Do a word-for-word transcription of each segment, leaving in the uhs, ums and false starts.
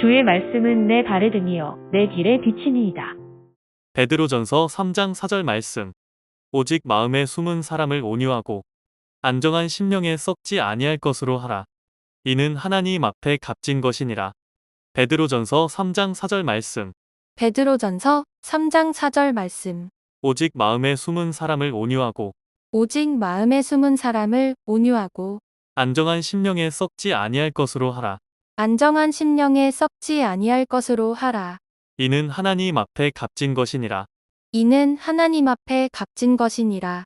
주의 말씀은 내 발에 등이요 내 길에 비치니이다. 베드로전서 삼 장 사 절 말씀. 오직 마음에 숨은 사람을 온유하고 안정한 심령에 썩지 아니할 것으로 하라. 이는 하나님 앞에 값진 것이니라. 베드로전서 삼 장 사 절 말씀. 베드로전서 삼 장 사 절 말씀. 오직 마음에 숨은 사람을 온유하고 오직 마음에 숨은 사람을 온유하고 안정한 심령에 썩지 아니할 것으로 하라. 안정한 심령에 썩지 아니할 것으로 하라. 이는 하나님 앞에 값진 것이니라. 이는 하나님 앞에 값진 것이니라.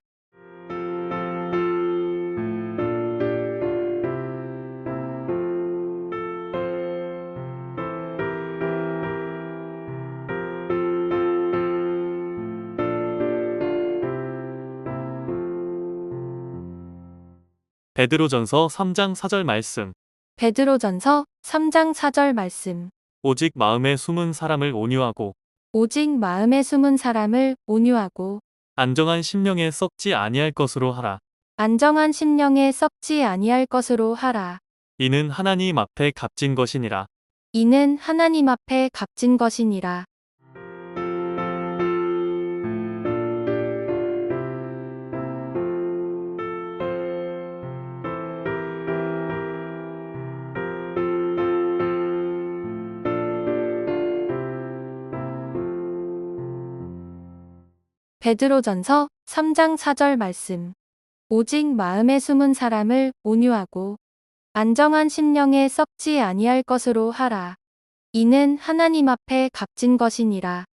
베드로전서 삼 장 사 절 말씀. 베드로전서 삼 장 사 절 말씀. 오직 마음에 숨은 사람을 온유하고 오직 마음에 숨은 사람을 온유하고 안정한 심령에 썩지 아니할 것으로 하라. 안정한 심령에 썩지 아니할 것으로 하라. 이는 하나님 앞에 값진 것이니라. 이는 하나님 앞에 값진 것이니라. 베드로전서 삼 장 사 절 말씀. 오직 마음에 숨은 사람을 온유하고 안정한 심령에 썩지 아니할 것으로 하라. 이는 하나님 앞에 값진 것이니라.